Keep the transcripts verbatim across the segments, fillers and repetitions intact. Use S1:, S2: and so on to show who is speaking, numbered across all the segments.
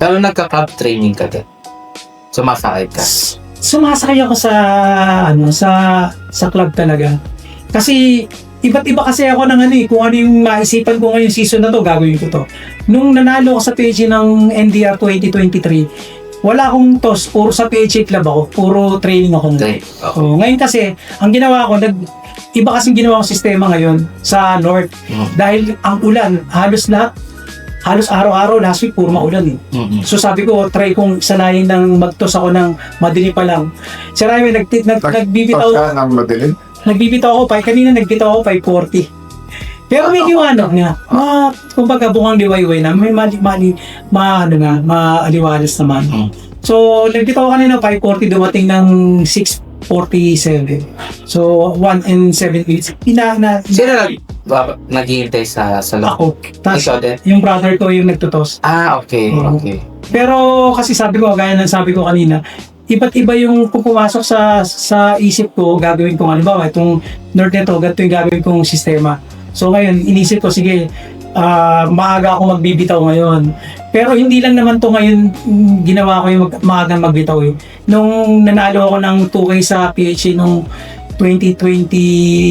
S1: Pero nagka-club training ka din. Sumasakay ka.
S2: Sumasakay ako sa ano sa sa club talaga. Kasi iba't iba kasi ako ng ano eh, kung ano yung maisipan ko ngayong season na to, gagawin ko to. Nung nanalo ako sa P H A ng N D R twenty twenty-three, wala akong toss, puro sa P H A club ako, puro training ako.
S1: Okay.
S2: So, ngayon kasi, ang ginawa ko, nag, iba kasing ginawa kong sistema ngayon sa North.
S1: Mm.
S2: Dahil ang ulan, halos lahat, halos araw-araw, last week, puro maulan eh.
S1: Mm-hmm.
S2: So sabi ko, try kong sanayin ng magtos ako ng madilim pa lang. Si Raimi, nag, nag, nagbibitaw,
S3: Pagka ng madilim?
S2: nagbibitaw ako pa, kanina nagbitaw ako five forty. Pero may liwanag nga. Ma, kumbaga bukang liwayway na, may mali, mali, ma, ano nga, maaliwalas naman.
S1: Mm.
S2: So, nagbitaw ako kanina five forty, dumating ng six forty-seven. So, one and seven minutes. Ina, na,
S1: Sino nag, ba- naghihintay sa sa loob?
S2: ako. Tapos,
S1: Ikaw din?
S2: yung brother ko yung nagtutos.
S1: Ah, okay.
S2: Oo.
S1: Okay.
S2: Pero kasi sabi ko, gaya ng sabi ko kanina, iba't iba yung kung pumasok sa sa isip ko, gagawin ko, halimbawa, itong North nito, ganito yung gagawin kong sistema. So ngayon, inisip ko, sige, ah, maaga ako magbibitaw ngayon. Pero hindi lang naman to ngayon, mm, ginawa ko yung mag, maagang magbitaw eh. Nung nanalo ako ng two K sa P H A nung twenty twenty,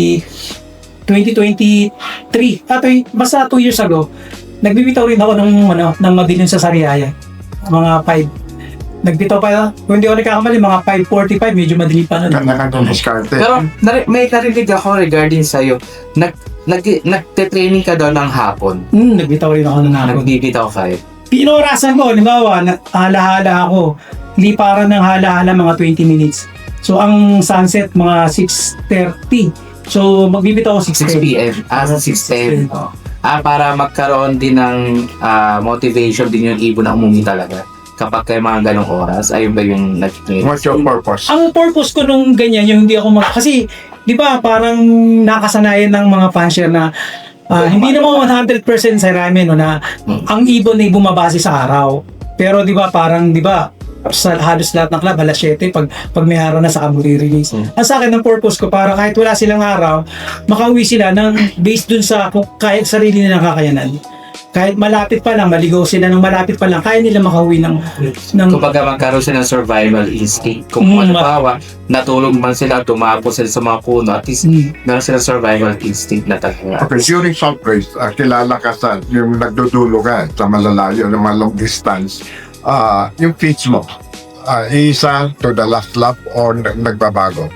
S2: twenty twenty-three, ah, tw- basta two years ago, nagbibitaw rin ako ng, ano, ng madilim sa Sariaya. Mga five. Nagbitaw pa, kung hindi ako nagkakamali, mga five forty-five, medyo madilim pa nun.
S3: Ganda ka ng diskarte.
S1: Pero nari- may narinig ako regarding sa'yo. Nag, nag, nagte-training ka daw ng hapon.
S2: Hmm, nagbitaw rin ako ng hapon.
S1: Nagbibitaw kayo.
S2: Pinorasan ko, halimbawa, na- halahala ako, liparan ng halahala mga twenty minutes. So, ang sunset, mga six thirty. So, magbibitaw ako six
S1: six
S2: thirty.
S1: p m Ah, sa six ten. Oh. Ah, para magkaroon din ng ah, motivation din yung ibon na umumi talaga. Kapag kayo mga ganong oras, ayun ba yung nag-training?
S3: What's your purpose?
S2: Ang purpose ko nung ganyan, yung hindi ako mag... Kasi, di ba, parang nakasanayan ng mga fansher na ah, hindi naman one hundred percent sa ramen, no, na ang ibon ay bumabase sa araw. Pero di ba, parang, di ba, sa halos lahat ng club, alas seven, pag, pag may araw na saka release.
S1: Hmm.
S2: Ang sa akin, ang purpose ko, para kahit wala silang araw, makauwi sila ng based dun sa kung kahit sarili nilang kakayanan. Kahit malapit pa lang, maligaw sila ng malapit pa lang, kaya nila makauwi ng... ng
S1: Kumbaga magkaroon sila ng survival instinct. Kung
S2: Mm,
S1: ano ba, natulog man sila, tumapo sila sa mga puno, at least
S2: Mm.
S1: meron silang survival instinct na talaga.
S3: Okay, during salt race, uh, kilala ka sa yung nagdudulo ka sa malalayo, yung mga long distance. Ah, yung pitch mo, ah, isa to the last lap or nag- nagbabago?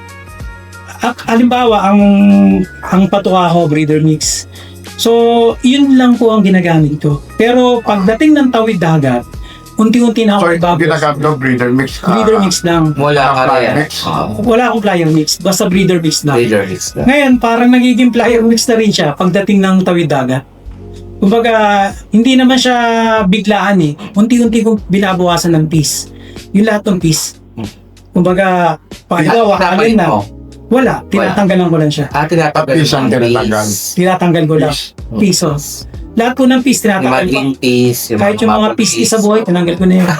S2: Ak- halimbawa, ang ang patuka ko, breeder mix. So, yun lang po ang ginagamit ko. Pero pagdating ng tawid dagat, unti-unti na ako
S3: So,
S2: ibabawas.
S3: ginagamit mo breeder mix? ah,
S2: Breeder mix lang.
S1: Mula ka
S3: Flyer
S1: rin.
S3: mix.
S1: Oo.
S2: Wala akong flyer mix, basta breeder mix lang.
S1: Leader mix na.
S2: Ngayon, parang nagiging flyer mix na rin siya pagdating ng tawid dagat. Kumbaga, hindi naman siya biglaan eh. Unti-unti kong binabawasan ng piece. Yung lahat ng piece. Kumbaga, pangalawa, alin na.
S1: mo.
S2: Wala, tinatanggalan ko lang siya.
S1: Ah, tinatanggal
S3: Isang
S1: ng
S3: tinatanggal.
S1: piece.
S2: Tinatanggal ko lang.
S3: Fish.
S2: Pisos. Lahat po ng piece
S1: Yung mga
S2: tinatanggal ko.
S1: green peas, yung
S2: Kahit yung mga
S1: maple
S2: piece
S1: peas.
S2: sa buhay, tinanggal ko na yun.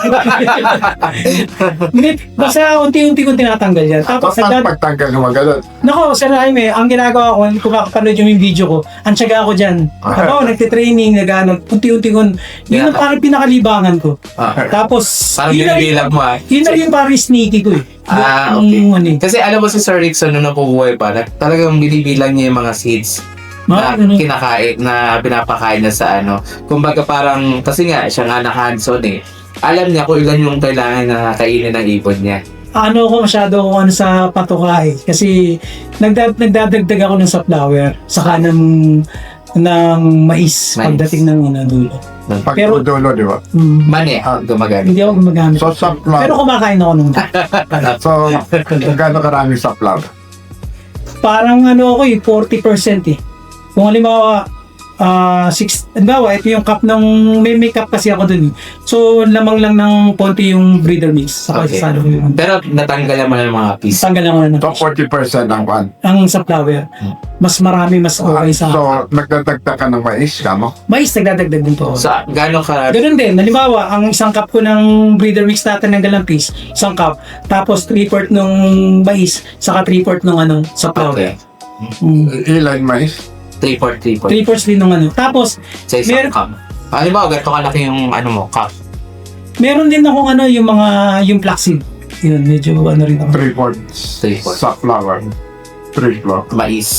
S2: Hindi, basta unti-unti kong tinatanggal yan. Tapos,
S3: Tapos
S2: nagdad-
S3: pagtanggal mo ganun.
S2: nako, Sir Jaime, ang ginagawa ko, kung makapanood yung video ko, ang tiyaga ako dyan. Ako, nagtitraining, nag-ano, unti-unti ko, yun ang parang pinakalibangan ko.
S1: Ah,
S2: Tapos,
S1: parang
S2: yun na
S1: binibilang mo ah.
S2: yun na yung parang sneaky ko eh.
S1: Ah,
S2: Yung-
S1: okay.
S2: yung ano eh.
S1: Kasi alam mo si Sir Rickson nung napubuhay pa, na talagang binibilang niya yung mga seeds na
S2: Mga ano,
S1: kinakain, na pinapakain na sa ano. Kumbaga parang, kasi nga, siya nga naka-hands-on eh. Alam niya kung ilan yung kailangan na kainin ng ibon niya.
S2: ano ko masyado kung ano sa patuka eh. Kasi nagdad nagdadagdag ako ng sunflower saka ng ng mais,
S1: Mais.
S2: pagdating ng ano dulo.
S3: Pag
S2: Pero-
S3: dulo, di ba?
S2: Mm,
S1: Mani, ah, gumagamit.
S2: hindi ako gumagamit.
S3: So, sa
S2: Pero
S3: flower.
S2: kumakain ako nung
S3: So, gano'n karami sa flower?
S2: parang ano ako eh, forty percent eh. Kung halimbawa, ah six, halimbawa, ito yung cup ng, may may cup kasi ako dun eh. So, lamang lang ng konti yung breeder mix. Saka
S1: Okay.
S2: sasalo ko yung,
S1: Pero natanggalan mo ng mga piece.
S2: tanggal lang ako na
S3: So, forty percent ang kwan.
S2: ang sunflower. Mas marami, mas okay sa
S3: So, nagdadagdag ka ng mais, kamo?
S2: mais, nagdadagdag din po ako.
S1: Sa gano'n ka,
S2: Ganun din, halimbawa, ang isang cup ko ng breeder mix natin ng galang piece, isang cup, tapos three-fourth nung mais, saka three-fourth nung ano, sa flour.
S1: okay.
S2: Mm.
S3: Ilan mais?
S1: three four three four.
S2: Three-fourths din nung ano. Tapos,
S1: Sa isang
S2: Mer-
S1: cup. Halimbawa, ganito kalaki yung ano mo, cup.
S2: Meron din akong ano, yung mga, yung flaxseed. Yun, medyo ano rin ako.
S3: Three fourths.
S1: Three fourths.
S3: Sunflower. Three fourths.
S1: Mais.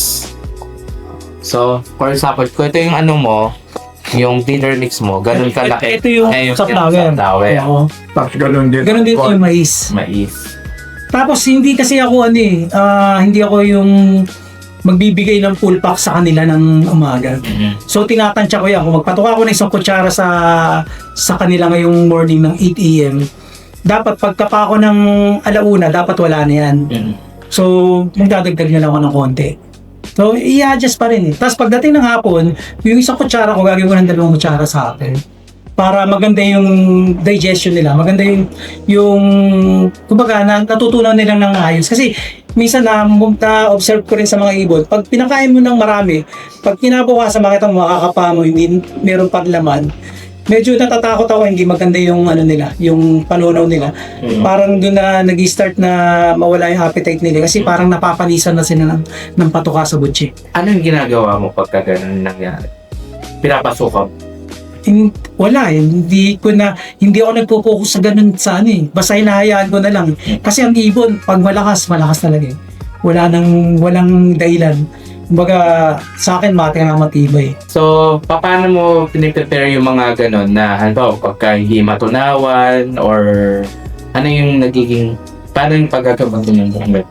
S1: So, for example, kung ito yung ano mo, yung dinner mix mo, ganun kalaki.
S2: Ito yung
S1: Eh,
S2: sunflower.
S1: sunflower.
S2: Oo.
S3: Tapos ganun din.
S2: Ganun din yung mais.
S1: Mais.
S2: Tapos hindi kasi ako ano eh, ah, hindi ako yung magbibigay ng full pack sa kanila ng umaga.
S1: Mhm.
S2: So tinatansya ko yan. Kung magpatuka ako ng isang kutsara sa sa kanila ngayong morning ng eight a.m., dapat pagkapa ako ng alauna, dapat wala na yan.
S1: Mhm.
S2: So magdadagdag na lang ako ng konti. So i-adjust pa rin eh. Tapos pagdating ng hapon, yung isang kutsara ko, gagawin ko ng dalawang kutsara sa akin. Para maganda yung digestion nila, maganda yung yung kumbaga na, natutunan nila ng ayos. Kasi minsan na, na observe ko rin sa mga ibon, pag pinakain mo ng marami, pag kinabukasan makita mo makakapa mo, hindi meron pang laman, medyo natatakot ako, hindi maganda yung ano nila, yung panunaw nila.
S1: Mhm.
S2: Parang doon na nag-start na mawala yung appetite nila kasi parang napapanisan na sila ng, ng patuka sa butchi.
S1: Ano yung ginagawa mo pagka ganun nangyari? Pinapasukan.
S2: In, wala eh. Hindi ko na, hindi ako nagpo-focus sa ganun sa ano eh. Basta hinahayaan ko na lang. Kasi ang ibon, pag malakas, malakas talaga eh. Wala nang, walang dahilan. Kumbaga, sa akin, mati nga matibay.
S1: So, paano mo piniprepare yung mga ganun na, halimbawa, pagka hindi matunawan or ano yung nagiging, paano yung paggagamot ng bumet?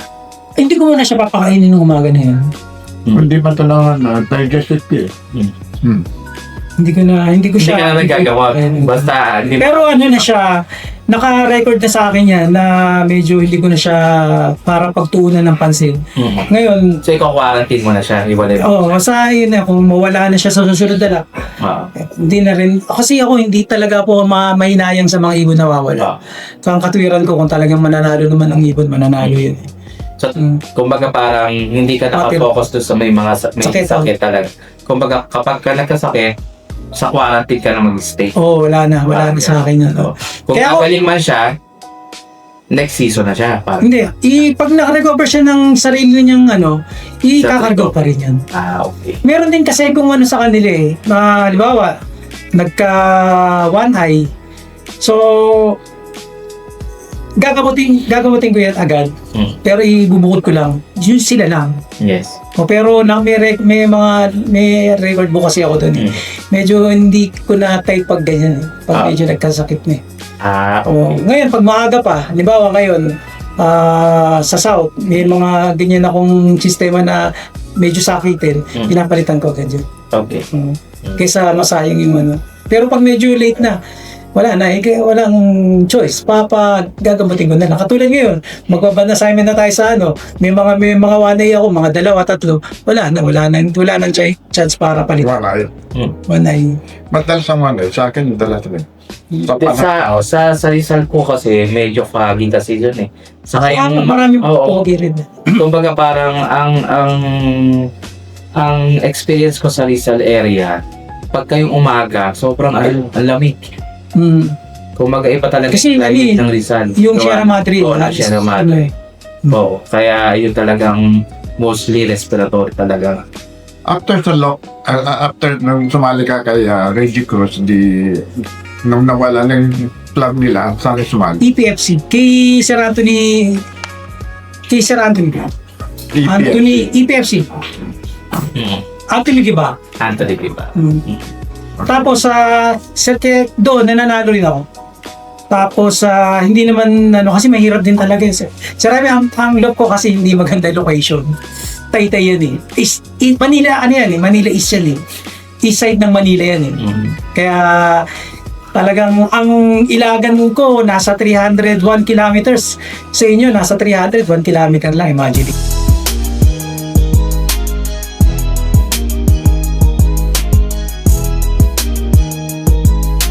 S2: Eh, hindi ko muna siya papakainin ng umaga na yan.
S3: Hindi ba ito lang na digestive eh?
S1: Hmm.
S3: Hmm.
S2: Hindi ko na, hindi ko
S1: Hindi
S2: siya.
S1: ka na nagagawa.
S2: Ayun.
S1: Basta, hindi
S2: Pero ano na siya, naka-record na sa akin yan na medyo hindi ko na siya para pagtuunan ng pansin.
S1: Mhm.
S2: Ngayon,
S1: So, ikaw quarantine mo na siya, iwalay mo.
S2: oh, sa yun na, kung mawala na siya sa susunod na lang,
S1: Ah.
S2: eh, hindi na rin, kasi ako hindi talaga po ma mahinayang sa mga ibon na
S1: Ah.
S2: wawala. So, ang katwiran ko, kung talagang mananalo naman ang ibon, mananalo yun. eh.
S1: So,
S2: Mm.
S1: kumbaga parang hindi ka nakafocus doon sa may mga sa- may
S2: Sakit,
S1: sakit, talaga. Kumbaga, kapag ka nagkasakit, sa quarantine ka na mag-stay.
S2: Oo, oh, wala na, wala na sa akin yun.
S1: So, kung
S2: Kaya ako-
S1: kagaling man siya, next season na siya. Parang,
S2: Hindi, i, pag nakarecover siya ng sarili niyang ano, ikakargo pa rin yan.
S1: ah, okay.
S2: Meron din kasi kung ano sa kanila eh. Na, halimbawa, nagka one eye. So, gagamutin, gagamutin ko yan agad.
S1: Hmm.
S2: Pero ibubukod ko lang. Yun sila lang.
S1: Yes.
S2: O, pero na, may, rec- may mga may record book kasi ako doon. Eh.
S1: Hmm.
S2: Medyo hindi ko na type pag ganyan. Eh. Pag
S1: Ah.
S2: medyo nagkasakit na eh.
S1: Ah,
S2: O,
S1: okay.
S2: ngayon, pag maaga pa, halimbawa ngayon, ah, sa South, may mga ganyan akong sistema na medyo sakitin,
S1: Hmm.
S2: pinapalitan ko agad yun.
S1: Okay.
S2: Mm. Kaysa masayang yung ano. Pero pag medyo late na, wala na, eh, kaya walang choice. Papa, gagamutin ko na lang. Katulad ngayon, magbaband assignment na tayo sa ano, may mga may mga one day ako, mga dalawa, tatlo. Wala na, wala na, wala nang ch- chance para palitan.
S3: Wala yun.
S1: Hmm.
S2: One day.
S3: Madalas ang ano, sa akin, madalas rin. Sa
S1: Di-
S3: panahon.
S1: Sa, oh, sa, sa Rizal po kasi, medyo foggy kasi yun eh. Saka
S2: Kaya
S1: yung,
S2: marami
S1: oo,
S2: pogi rin.
S1: kumbaga parang ang, ang, ang experience ko sa Rizal area, pagka yung umaga, sobrang al- ang lamig.
S2: Mm.
S1: Kumbaga iba talaga
S2: Kasi,
S1: yung climate
S2: ano
S1: ng Rizal.
S2: Yung
S1: Gawa-
S2: Sierra Madre.
S1: Oo, na
S2: ah,
S1: Sierra
S2: ano
S1: Madre.
S2: eh.
S1: Oo, kaya yun talagang mostly respiratory talaga.
S3: After sa lock, uh, after nung sumali ka kay uh, Reggie Cruz, di, nung nawala ng club nila, saan ka sumali?
S2: E P F C. Kay Sir Anthony, kay Sir Anthony.
S3: E P F.
S2: Anthony, E P F C.
S1: Mm.
S2: Anthony Giba.
S1: Anthony Viva.
S2: Mm. Tapos sa uh, doon nananalo rin ako. Tapos ah, hindi naman ano kasi mahirap din talaga yun. Sa Rami ang, ang love ko kasi hindi maganda location. Taytay yan eh. Is, i- Manila ano yan eh, Manila East yan eh. East side ng Manila yan eh.
S1: Mm.
S2: Kaya talagang ang ilagan ko nasa three hundred one kilometers. Sa inyo nasa three hundred one kilometer lang, imagine.